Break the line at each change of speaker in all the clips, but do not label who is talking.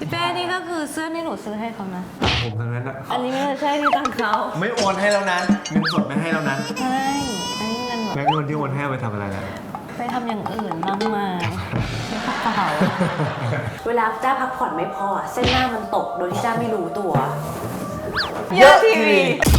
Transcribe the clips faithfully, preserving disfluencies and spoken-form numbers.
พี่เป้นี่ก็คือเสื้อที่หนูซื้อให้เขานะ
ผมทั้งนั้นอะ
อันนี้ไม่ใช่ที่ตังเขา
ไม่โอนให้แล้วนะเงินสดไม่ให้แล้วนะ
ใช่อันนี้เงินแบบ
แล้วเงินที่โอนให้ไปทำอะไรนะ
ไปทำอย่างอื่นมากมายไม่กระเป๋า
เวลาจ้าพักผ่อนไม่พอเส้นหน้ามันตกโดยที่จ้าไม่รู้ตัว
เยอะทีวี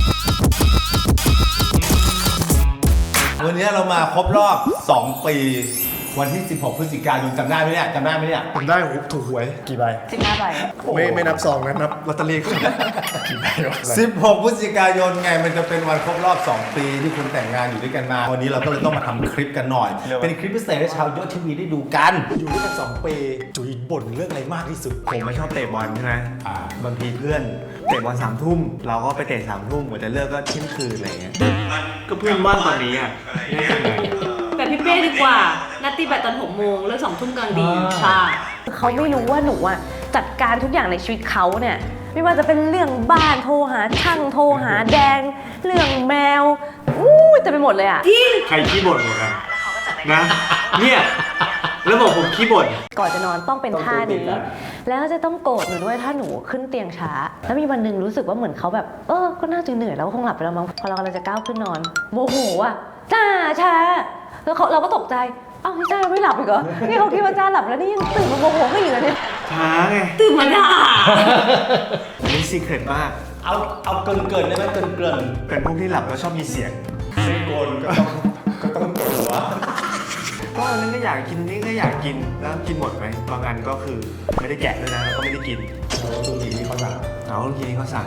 วันนี้เรามาครบรอบสองปีวันที่สิบหกพฤศจิกายนจำได้ไหมเนี่ยจำได้ไหมเนี่ย
ผมได้ถูกหวยกี่ใบ
สิบห้าใบ
ไม่ไม่นับซองนะนับลอตเตอรี่กี่ใบวะ
สิบหกพฤศจิกายนไงมันจะเป็นวันครบรอบสองปีที่คุณแต่งงานอยู่ด้วยกันมาวันนี้เราก็เลยต้องมาทำคลิปกันหน่อยเป็นคลิปพิเศษให้ชาวยอดทีวีได้ดูกัน
อยู่ด้วยกันสองปีจุ๋ยบ่นเรื่องอะไรมากที่สุดผมไม่ชอบเตะบอลใช่ไหมบางทีเพื่อนเตะบอลสามทุ่มเราก็ไปเตะสามทุ่มกว่าจะเลิกก็เที่ยงคืนอะไรเงี้ยก็เพื่อนบ้านตอนนี้อ่ะ
แบบพี่เป้ดีกว่านัดตีแบตตอนหกโมงเลิกสองทุ่มกลางดีใช่เขาไม่รู้ว่าหนูอะจัดการทุกอย่างในชีวิตเขาเนี่ยไม่ว่าจะเป็นเรื่องบ้านโทรหาช่างโทรหาแดงเรื่องแมวอู้จะไปหมดเลยอะ
ใครขี้บ่นหมดกันนะเนี่ยแล้วบอกผมขี้บ่น
ก่อนจะนอนต้องเป็นท่านี้แล้วจะต้องโกรธหนูด้วยถ้าหนูขึ้นเตียงช้าแล้วมีวันหนึ่งรู้สึกว่าเหมือนเขาแบบเออก็น่าจะเหนื่อยแล้วคงหลับไปแล้วมั้งพอเรากำลังจะก้าวขึ้นนอนโมโหอะจ้าช้าแล้วเราก็ตกใจอ้าวนี่จ้าไม่หลับอีกเหรอนี่เขาคิดว่าจ้าหลับแล้วนี่ยังตื่นมาโมโหก็อยู่เลยเนี่ย
ช้าไง
ตื่นมาด่า
นี่ซีเคร็ตมาก
เอาเอาเกินเกินได้ไหมเกินเกิน
เป็นพวกที่หลับแล้วชอบมีเสียง
ไม่โกนก็ต้องก็ต้องตัว
ก็อันนั้นก็อยากกินนี่ก็อยากกินแล้วกินหมดไหมบางอันก็คือไม่ได้แกะด้วยนะแล้วก็ไม่ได้กิน
เอาลูกทีนี้เขาสั่ง
เอาลูกทีนี้เขาสั่ง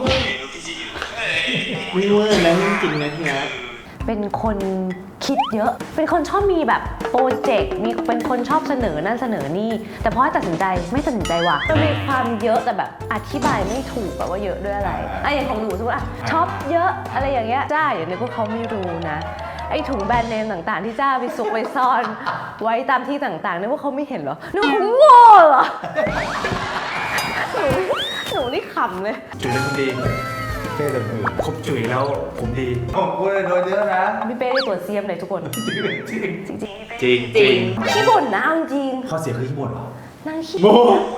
ไม่เวอร์นะจริงนะที่นะ
เป็นคนคิดเยอะเป็นคนชอบมีแบบโปรเจกต์มีเป็นคนชอบเสนอนั่นเสนอนี่แต่พอตัดสินใจไม่ตัดสินใจว่ะจะมีความเยอะแต่แบบอธิบายไม่ถูกแบบว่าเยอะด้วยอะไรไอ้อย่างของหนูสมมติอ่ะชอบเยอะอะไรอย่างเงี้ยจ้าอย่างนี้พวกเขาไม่รู้นะไอ้ถุงแบรนด์เนมต่างๆที่จ้าไปซุกไปซ่อนไว้ตามที่ต่างๆนี่พวกเขาไม่เห็นเหรอนึกว่าเขาโง่เหรอหนูหนูนี่ขำเลย
จุ๋ยเป็นคนดี
เป้เลย
คบจุ๋ยแล้วผมดี
ผมพูดเลยโดนเยอะนะ
พี่เป้ได้ตัวเซียมเลยทุกคนจริง
จริงจริงจริง
ขี้บ่นนะจริง
ข้อเสียคือขี้บ่นเหรอ
นั่งขี้
โม่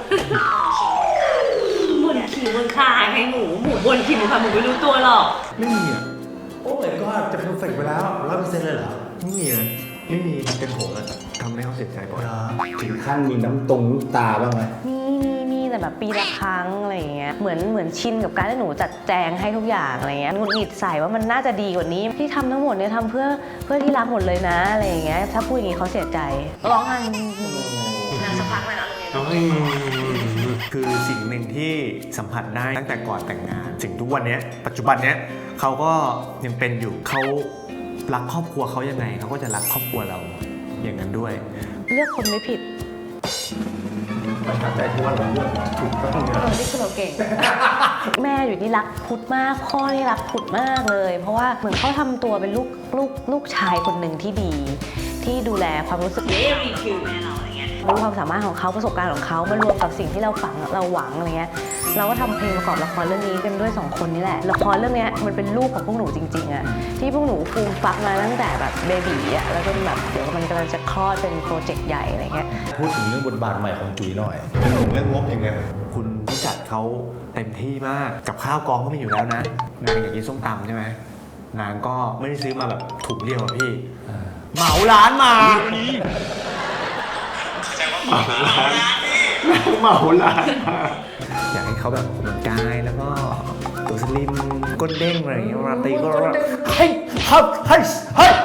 บ่นขี้บนคางให้หมูหมูบ่นขี้บนคางหมูไม่รู้ตัวหรอก
ไม่มีอ่ะโอ้ยก็จะเพอร์เฟกต์ไปแล้วร้อยเปอร์เซ็นต์เลยเหรอ
ไม่มีนะไม่มีเป็นผมอะทำให้เขาเสียใจบ่อย
ถึงขั้นมีน้ำตรงน้ำตาบ้างไหม
มีมีมีแต่แบบปีละครั้งอะไรอย่างเงี้ยเหมือนเหมือนชินกับการที่หนูจัดแจงให้ทุกอย่างอะไรเงี้ยหงุดหงิดใส่ว่ามันน่าจะดีกว่านี้ที่ทำทั้งหมดเนี่ยทำเพื่อเพื่อที่รักหมดเลยนะอะไรอย่างเงี้ยถ้าพูดอย่างงี้เขาเสียใจร้องไห้นานสักพักเลยนะตรงนี้
คือสิ่งหนึ่งที่สัมผัสได้ตั้งแต่ก่อนแต่งงานถึงทุกวันนี้ปัจจุบันเนี้ยเขาก็ยังเป็นอยู่เขารักครอบครัวเขายังไงเขาก็จะรักครอบครัวเราอย่างนั้นด้วย
เลือกคนไม่ผิด
มันทำได้ที่ว่าเราเลือกถูกต้องเ
ออนี่คือเราเก่งแม่อยู่ที่รักพุทธมากพ่อที่รักพุทธมากเลยเพราะว่าเหมือนเขาทำตัวเป็นลูกลูกลูกชายคนหนึ่งที่ดีที่ดูแลความรู้สึกนี้รีคิวแม่เราอะไรเงี้ยรู้ความสามารถของเขาประสบการณ์ของเขามารวมกับสิ่งที่เราฝังเราหวังอะไรเงี้ยเราก็ทำเพลงประกอบละครเรื่องนี้กันด้วยสองคนนี่แหละละครเรื่องนี้มันเป็นลูกของพวกหนูจริงๆอะที่พวกหนูฟูมฟักมาตั้งแต่แบบเบบีอะแล้วจนแบบเดี๋ยวมันกำลังจะคลอดเป็นโปรเจกต์ใหญ่อะไรเงี้ย
พูดถึงเรื่องบทบาทใหม่ของจุ๋ยหน่อยเรื่องงบยังไง
คุณผู้จัดเขาเต็มที่มากกับข้าวกองก็มีอยู่แล้วนะนางอยากกินส้มตำใช่ไหมนางก็ไม่ได้ซื้อมาแบบถุงเดียวอะพี่เหมาร้านมาเหมาร้านเหมาร้านอยากให้เขาแบบออกกำลังกายแล้วก็ตัวสลิมก้นเด้งอะไรอย่างเงี้ยราตรีก็เฮ้ยเฮ้ยเฮ้ยเฮ้ย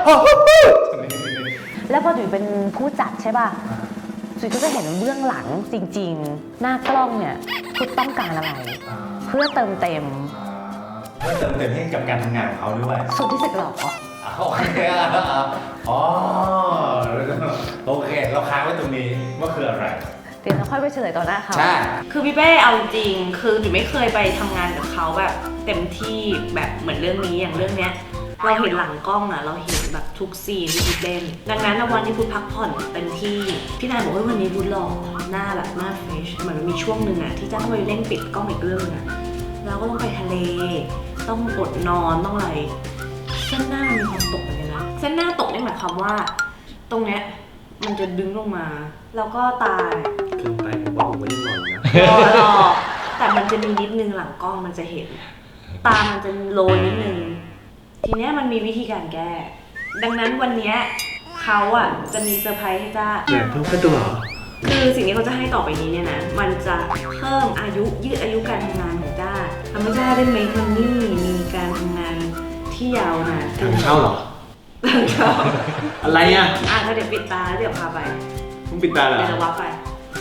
แล้วพอจุ๋ยเป็นผู้จัดใช่ป่ะจุ๋ยก็จะเห็นเบื้องหลังจริงๆหน้ากล้องเนี่ยพุทธต้องการอะไรเพื่อเติมเต็ม
เพื่อเติมเต็มให้กับการทำงานของเขาด้วย
สุดที่สุดหรอ
โอเคอ๋อโอเคเราค้างไว้ตรงนี้ว่าคืออะไร
เดี๋ยวเราค่อยไปเฉลยต่อหน้าเขา
ใช่
คือพี่เป้เอาจริงคือจุ๋ยไม่เคยไปทำงานกับเขาแบบเต็มที่แบบเหมือนเรื่องนี้อย่างเรื่องเนี้ยเราเห็นหลังกล้องอะเราเห็นแบบทุกซีนที่พุทธเล่นดังนั้นวันที่พุทธพักผ่อนเต็มที่พี่นายบอกว่าวันนี้พุทธหล่อหน้าแบบหน้าเฟรชเหมือนมันมีช่วงหนึ่งอะที่จ้าต้องไปเล่นปิดกล้องอีกเรื่องอะเราก็ต้องไปทะเลต้องอดนอนต้องอะไรเส้นหน้ามันมีความตกเหมือนกันนะเส้นหน้าตกนี่หมายความว่าตรงเนี้ยมันจะดึงลงมาแล้วก็ตา
ขึ้นไปว่าผมก็ยังหล่ออยู่นะ
รอรอแต่มันจะมีนิดนึงหลังกล้องมันจะเห็น ตามันจะโลนิดนึง ทีเนี้ยมันมีวิธีการแก้ ดังนั้นวันเนี้ยเขาอ่ะจะมีเซอร์ไพรส์ให้จ้า
เดี๋ยวเพิ่งกระดูกเหรอ
คือสิ่งที่เขาจะให้ต่อไปนี้เนี่ยนะ มันจะเพิ่มอายุยืดอายุการทำงานของจ้าทำให้จ้าได้ make money มีการทำงานที่ยาวนานขึ้น
ทางเช่าเหรอ
ทางเช่า
อะไรอ่ะ
อ่ะก็เดี๋ยวปิดตาแล้วเดี๋ยวพาไป
มึงปิดตาเหรอ
เดี๋ยวจะวับไป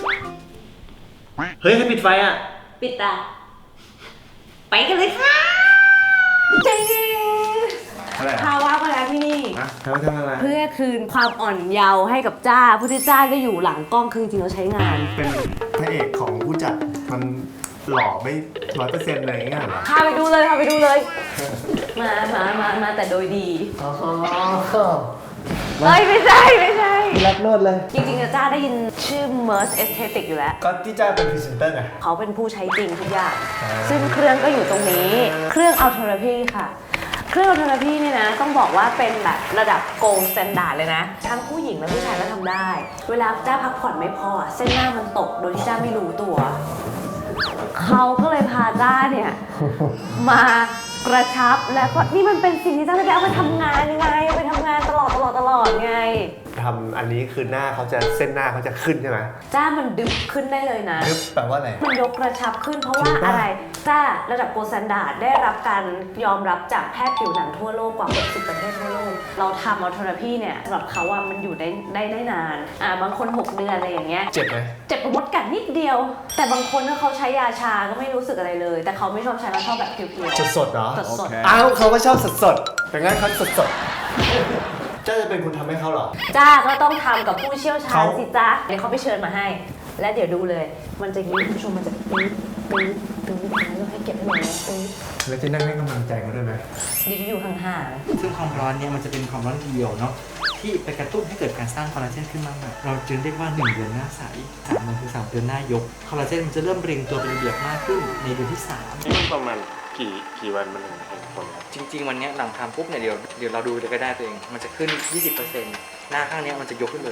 เฮ้ยให้ปิดไฟอ่ะ
ปิดตา ไปกันเลยค่ะจริง
อะไร
พาว่ามาแล้วที่นี่
ฮะทำทำอะไร
เพื่อคืนความอ่อนเยาว์ให้กับจ้าผู้ที่จ้าก็อยู่หลังกล้องคือจริงๆเราใช้งาน
เป็นพระเอกของผู้จัดมันหล่อไม่ร้อยเปอร์เซ็นต์อะไรอย่างเงี้ยเหรอ
พาไปดูเลยพาไปดูเลย มามามามาแต่โดยดี
อ๋อ
เอ้ยไม่ใช่ไม่ใช่
รับโนดเลย
จริงๆจ้าได้ยินชื่อ Merge Aesthetic อยู่แล้ว
ก็ที่จ้าเป็นพรีเซนเตอร์ไง
เขาเป็นผู้ใช้จริงทุกอย่าง ซึ่งเครื่องก็อยู่ตรงนี้ เครื่อง Autotherapy ค่ะ เครื่อง Autotherapy เนี่ยนะ ต้องบอกว่าเป็นแบบระดับ Gold Standard เลยนะ ทั้งผู้หญิงและผู้ชายก็ทำได้ เวลาจ้าพักผ่อนไม่พอ เส้นหน้ามันตกโดยที่จ้าไม่รู้ตัว เขาก็เลยพาจ้าเนี่ย มากระชับและก็นี่มันเป็นสิ่งที่จ้าจะได้เอาไปทำงานไงเอาไปทำงานตลอดตลอดตลอดไง
ทำอันนี้คือหน้าเขาจะเส้นหน้าเขาจะขึ้นใช่ไหม
จ้ามันดึงขึ้นได้เลยนะ
นึกแปลว่าอะไร
มันยกกระชับขึ้นเพราะ
จริ
ว่าง
ปะ
อะไรจ้าระดับโกลด์สแตนดาร์ดได้รับการยอมรับจากแพทย์ผิวหนังทั่วโลกกว่าหกสิบประเทศทั่วโลก เราทำอัลเทอราพีเนี่ยสำหรับเขาว่ามันอยู่ได้ได้ได้นานอ่าบางคนหกเดือนอะไรอย่างเงี้ย
เจ็บไหม
เจ็บปวดมดกัดนิดเดียว แต่บางคนถ้าเขาใช้ยาชาก็ไม่รู้สึกอะไรเลย แต่เขาไม่ชอบใช้เขาชอบแบบเพียว
สดสดๆเหรอ
สดสด
อ้าวเขาก็ชอบสดสดๆแต่งั้นเขาสดสดๆเจ้าจะเป็นคนทำให้เขาเหรอ
จ้าก็ต้องทำกับผู้เชี่ยวชาญ
เขา
สิจ้าเดี๋ยวเขาไปเชิญมาให้ และเดี๋ยวดูเลย มันจะยิ้มผู้ชมมันจะปี๊ดปี๊ดปี๊ดแล้วให้เก็บให้หน่อยนะปี๊ด
แล้วจะนั่งให้กำลังใจเขาด้วยไหม
เดี๋ยวจะอยู่ห่างๆ
ซึ่งความร้อนเนี่ยมันจะเป็นความร้อนเดียวเนาะที่ไปกระตุ้นให้เกิดการสร้างคอลลาเจนขึ้นมาใหม่เราจึงเรียกว่าหนึ่งเดือนหน้าใสสามเดือนคือสามเดือนหน้ายกคอลลาเจนมันจะเริ่มเรียงตัวเป็นระเบียบมากขึ้นในเดือนที่สาม
มันประมาณกี่กี่วันมันถึงเห็นผลครับ
จริง ๆ วันเนี้ยหลังทำปุ๊บเนี่ยเดี๋ยวเดี๋ยวเราดูเลยก็ได้ตัวเองมันจะขึ้น ยี่สิบเปอร์เซ็นต์ หน้าข้างเนี้ยมันจะยกขึ้นเลย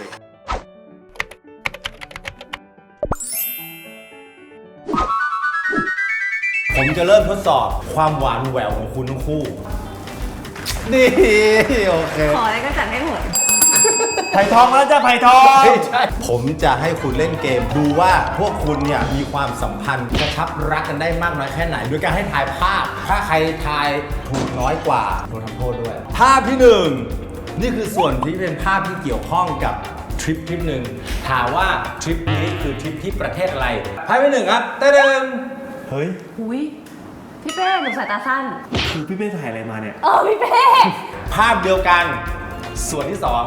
ผมจะเริ่มทดสอบความหวานแหววของคุณทั้งคู่ นี่โอเค
ขออะไรก็จัดให้หมด
ไผ่ทองแล้วจ้าไผ่ทอง
ผมจะให้คุณเล่นเกมดูว่าพวกคุณเนี่ยมีความสัมพันธ์กระชับรักกันได้มากน้อยแค่ไหนโดยการให้ทายภาพ ถ้าใครทายถูกน้อยกว่าโดนทำโทษด้วย ภาพที่หนึ่งนี่คือส่วนที่เป็นภาพที่เกี่ยวข้องกับทริปทริปหนึ่งถามว่าทริปนี้คือทริปที่ประเทศอะไรภาพที่หนึ่งครับเต้น
เฮ้ย
อุ้ยพี่เป้หนูสายตาสั้น
คือพี่เป้ถ่ายอะไรมาเนี่ย
เออพี่เป้
ภาพเดียวกัน ส่วนที่สอง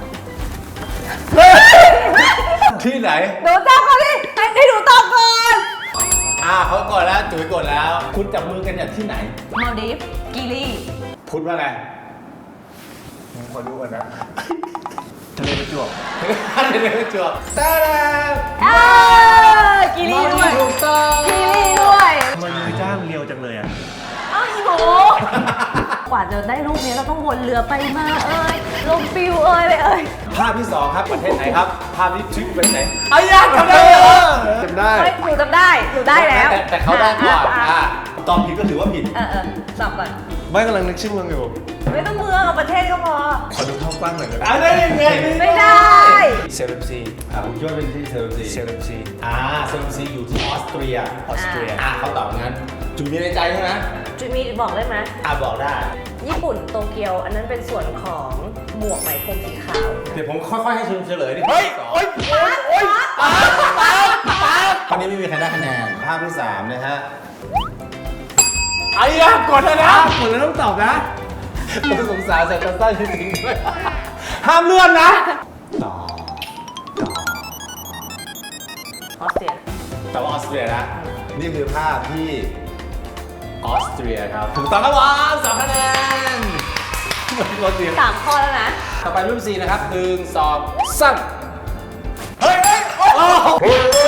ที่ไหน
หนูจับเขาดิให้ให้หนูตอบก่อน
อ่าเขากดแล้วจุ๋ยกดแล้ว คุณจับมือกันจากที่ไหน
มาลดีฟกิลี
พูดว่าไง
ผมขอดูก่อนนะทะเลประจวบ
เดี๋ยวจวบตาดา
เออกิลีด้วย
ถูกต้อง
กิลีด้วย
ทำไมมือจ้างเรียวจังเลยอ่ะ
อ้าวอีโหกว่าจะได้รูปนี้เราต้องวนเรือไปมาเอ้ยลมปิวเอ้ยเลยเอ้ย
ภาพที่สองครับประเทศไหนครับ ภาพที่ทริปเป็นไหนอายาจำได้เหรอ
จำได้
เฮ้ยหนูจำได้หนูได้แล้ว
ต่แต่เขาได้ก่อน
อ่ะ
อ่า
อ่ะ
ตอบผิดก็ถือว่าผิด
เออเออตอบก่อน
ไม่กำลังนึกชื่อเมืองอยู่
ไม่ต้องเมืองเอาประเทศก็พอ
ขอดูภาพกว้างหน่อยได้ไหม
อ่าได้ยังไง
ไม่ได้
เซเลบซี
อ่าผมคิดว่าเป็นที่เซอร์ซี
เซเลบซี
อ่าเซอร์ซีอยู่ที่ออสเตรีย
ออสเตรีย
อ่าเขาตอบงั้นจุ๋ยมีในใจใช่ไหม
จุยมีบอกได้ไหม
อ่าบอกได้
ญี่ปุ่นโตเกียว อันนั้นเป็นส่วนของหมวกไหมพรมสีขาว
เดี๋ยวผมค่อยๆให้เฉลยดิ
เฮ้ย โอ๊ย โอ๊ย โอ๊ย
ตอนนี้ไม่มีใครได้คะแนน ภาพที่สามนะฮะ
ไอ้ยะกดแล้วนะกดแล้วต้องตอบนะ
ผมสงสารสายตาสั้นจริงๆด้วยห้ามเลื่อนนะ ต่อ ต่อ
ออสเตรีย
แต่ว่าออสเตรียนะ นี่คือภาพที่ออสเตรียครับ ถูกต้องครับผมสองคะแนนออสเตรีย
สามข้อแล้วนะ
ต่อไปรูปสี่นะครับหนึ่งสองสามเฮ้ยเฮ้ยโอ้โห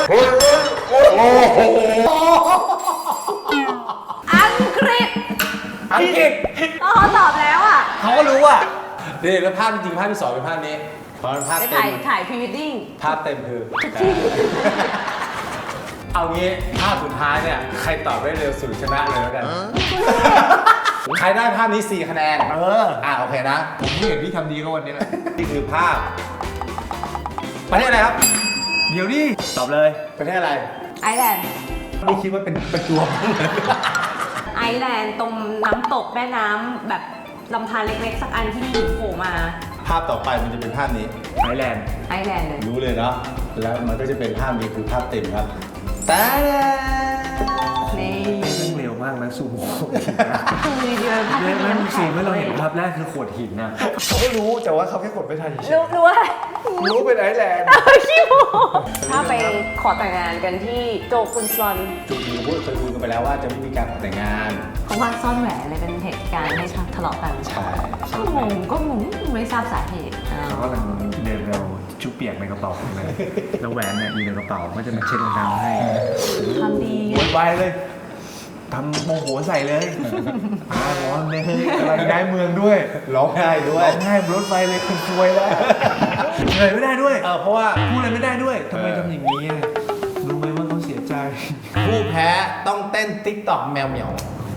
อังกฤษ
อังกฤษ
อ๋อเขาตอบแล้วอ่ะ
เขาก็รู้อ่ะนี่แล้วภาพจริงๆภาพที่สองเป็นภาพนี้เพราะภาพ
ไป
เต็
ถ่าย
ม
ถ่ายพรีเวดดิ้ง
ภาพเต็มคือ
ทุกที่
เอางี้ภาพสุดท้ายเนี่ย ใครตอบได้เร็วสุดชนะเลยแล้วกัน ใครได้ภาพนี้สี่คะแนน
เออ
อ่าโอเคนะ
ผมที่เห็นพี่ทำดีก็วันนี้แหละ
นี่คือภาพ ประเทศอะไรครับ
เดี๋ยวดิตอบเลย
ประเทศอะไร
ไอร์แลนด์
ไม่คิดว่าเป็นประจวบ
ไอร์แลนด์ตรงน้ำตกแม่น้ำแบบลำธารเล็กๆ สักอันที่มีหินโผล่มา
ภาพต่อไปมันจะเป็นภาพนี้
ไทยแลนด์
ไอร์แลนด์เลย
รู้เลยเนาะ แล้วมันก็จะเป็นภาพนี้คือภาพเต็มครับ แต่
นี่
เรื่องเร็วมากนะซูโม่
คือวิดีโอภาพ
เรื่
ที่
อง
มี
นั้น
น้ำ
สี
แข็ง
เมื่อเราเห็นภาพแรกคือขวดหินนะ
เขาก็รู้แต่ว่าเขาแค่กดไม่ทันเฉย
รู้รู้ว่า
ๆรู้เป็นไอร์แลนด์
ขี้โมถ้าไปขอแต่งงานกันที่โจกุนซอน
จุดนี้พูดเคยคุยกันไปแล้วว่าจะไม่มีการขอแต่งงาน
เขาว่าซ่อนแหวนเลยเป็นเหตุการณ์ให้ทะเลาะกัน
ใช่
ก็งงก็งงไม่ทราบสาเหตุอ้าว
เขากำลังเดินเร็วชุบเปียกในกระเป๋าเลยแล้วแหวนเนี่ยอยู่ในกระเป๋าก็จะมาเช็ดรองเท้าให้
ทำดี
โวยวายเลยทำโมโหใส่เลยอาร้อนเลยกำลังย้ายเมืองด้วย
ร้องไห้ด้ว
ร้
ย
องไห้บนรถไฟเลยคุณซวยแล้วเหนื่อยไม่ได้ด้วย
เออเพราะว่า
พูดอะไรไม่ได้ด้วยทำไมทำอย่างนี้อะรู้ไหมว่าเขาเสียใจ
ผู้แพ้ต้องเต้นติ๊กต็อกแมวเหมียว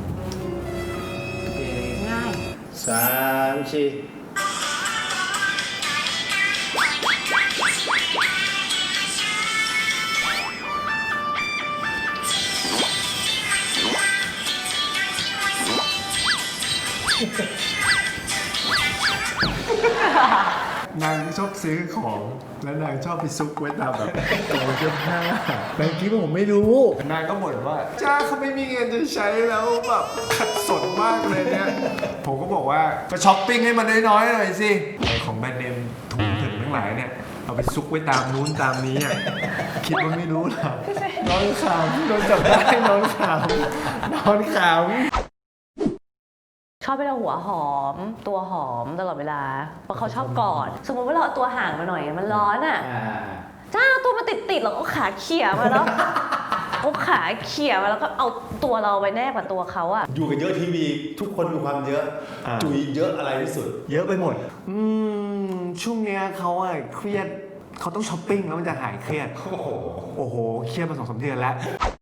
ง่าย
สามชี
นางชอบซื้อของแล้วนางชอบไปซุกไว้ตามแบบกระเป๋าเสื้อผ้านางคิดว่าผมไม่รู้นางก็บ่นว่าจ้าเขาไม่มีเงินจะใช้แล้วแบบขัดสนมากเลยเนี่ยผมก็บอกว่าก็ช้อปปิ้งให้มันน้อยๆหน่อยสิไอ้ของแบรนด์เนมถุงถึงทั้งหลายเนี่ยเอาไปซุกไว้ตามนู้นตามนี้อ่ะคิดว่าไม่รู้หรอกนอนขำโดนจับได้นอนขำนอนขำ
ชอบให้เราหัวหอม ตัวหอมตลอดเวลา เพราะเขาชอบกอด สมมติว่าเราเอาตัวห่างมาหน่อยมันร้อนอ่ะ
อ่า
จ้าตัวมันติดติดๆเราก็ขาเขี่ยมาแล้ว เอาขาเขี่ยมาแล้วก็เอาตัวเราไปแนบกับตัวเขาอ่ะ
อยู่กันเยอะทีวีทุกคนมีความเยอะ
อ่า
จุยเยอะอะไรที่สุด
เยอะไปหมด อืม ช่วงเนี้ยเขาอะเครียดเขาต้องช้อปปิ้งแล้วมันจะหายเครียด
โอ้โห
โอ้โห เครียดมาสองสามเดือนแล้ว